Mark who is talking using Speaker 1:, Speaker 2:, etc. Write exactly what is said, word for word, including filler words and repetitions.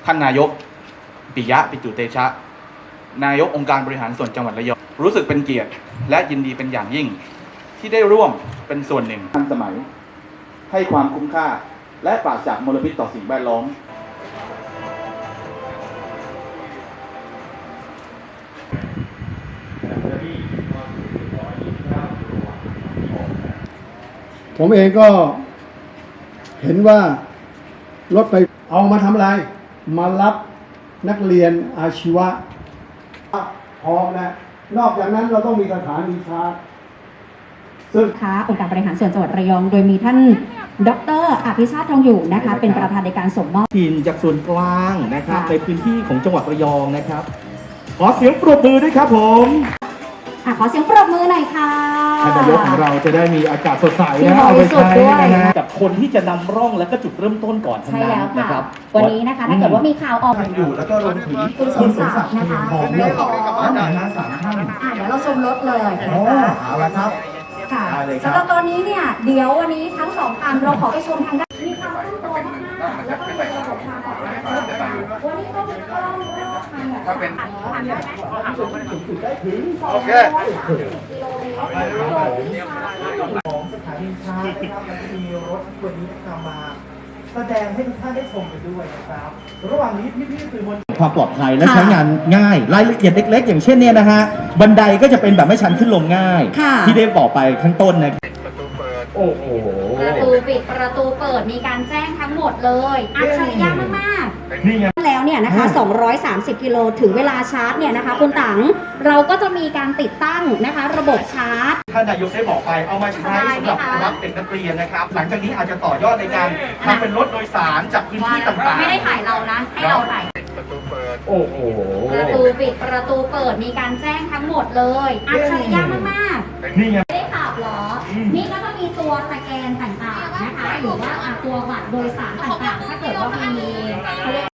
Speaker 1: ท่านนายกปิยะปิจุเตชะนายกองค์การบริหารส่วนจังหวัดระยองรู้สึกเป็นเกียรติและยินดีเป็นอย่างยิ่งที่ได้ร่วมเป็นส่วนหนึ่งทันสมัยให้ความคุ้มค่าและปราศจากมลพิษต่อสิ่งแวดล้อม
Speaker 2: ผมเองก็เห็นว่ารถไฟเอามาทำอะไรมารับนักเรียนอาชีวะพร้อมแล้วนอกจากนั้นเราต้องมีสถานีชาร์จซึ่ง
Speaker 3: ค่ะองค์การบริหารส่วนจังหวัดระยองโดยมีท่านดร.อภิชาติทองอยู่นะคะเป็นประธานในการส่งมอบ
Speaker 4: ทีมจากส่วนกลางนะครับในพื้นที่ของจังหวัดระยองนะครับขอเสียงปรบมือด้วยครับผม
Speaker 3: อ่ะขอเสียงปรบมือหน่อยค่ะ
Speaker 4: ท่านนายกของเราจะได้มีอากาศสดใสนะเอาไปใช้นะฮะกับคนที่จะนำร่องและก็จุดเริ่มต้นก่อนทั้งนั้นนะครับ
Speaker 3: วันนี้นะคะถ้าเกิดว่ามีข่าวออก
Speaker 4: อยู่แล้วก็รวมถึง
Speaker 3: คุณสมศักดิ์นะคะเรื่องของ
Speaker 4: สามท่าน
Speaker 3: อ่ะเดี๋ยวเราชมรถเลย
Speaker 4: โอ้เอาละครับ
Speaker 3: ค่ะสำหรับตอนนี้เนี่ยเดี๋ยววันนี้ทั้งสองคันเราขอไปชมทางด้านมีความตั้งตัวมากๆแล้วก็มีระบบทางออกนะคะวันนี้ก็มีกล้องรอบคันแบบถ้าเป็น
Speaker 1: โอเค
Speaker 4: ของสถานีชาร์จนะครับมันจะมีรถวันนี้นำมาแสดงให้ทุกท่านได้ชมกันด้วยนะครับระหว่างนี้พี่ๆสื่อมวลชนความปลอดภัยและใช้งานง่ายรายละเอียดเล็กๆอย่างเช่นเนี่ยนะฮะบันไดก็จะเป็นแบบไม่ชันขึ้นลงง่ายที่ได้บอกไปข้างต้นนะโอ้โห
Speaker 3: ประตูปิดประตูเปิดมีการแจ้งทั้งหมดเลยอัจฉริยะมากๆ
Speaker 4: นี่ไง
Speaker 3: แล้วเนี่ยนะคะสองร้อยสามสิบกิโลถึงเวลาชาร์จเนี่ยนะคะคุณตังเราก็จะมีการติดตั้งนะคะระบบชาร์จ
Speaker 4: ท่านนายกได้บอกไปเอามาใช้สำหรับรับเด็กนักเรียนนะครับหลังจากนี้อาจจะต่อยอดในการทำเป็นรถโดยสารจากพื้นที่ต่างๆ
Speaker 3: ไม่ได้ถ่ายเรานะให้เราถ่าย
Speaker 4: โอ้โห
Speaker 3: ประตูปิดประตูเปิดมีการแจ้งทั้งหมดเลยอัจฉริยะมาก
Speaker 4: ๆนี่ไง
Speaker 3: ไม่ได้ขับหรอนี่ก็จะมีตัวสแกนต่างๆนะคะหรือว่าตัวบัตรโดยสารต่างๆถ้าเกิดว่ามีเขาเรียก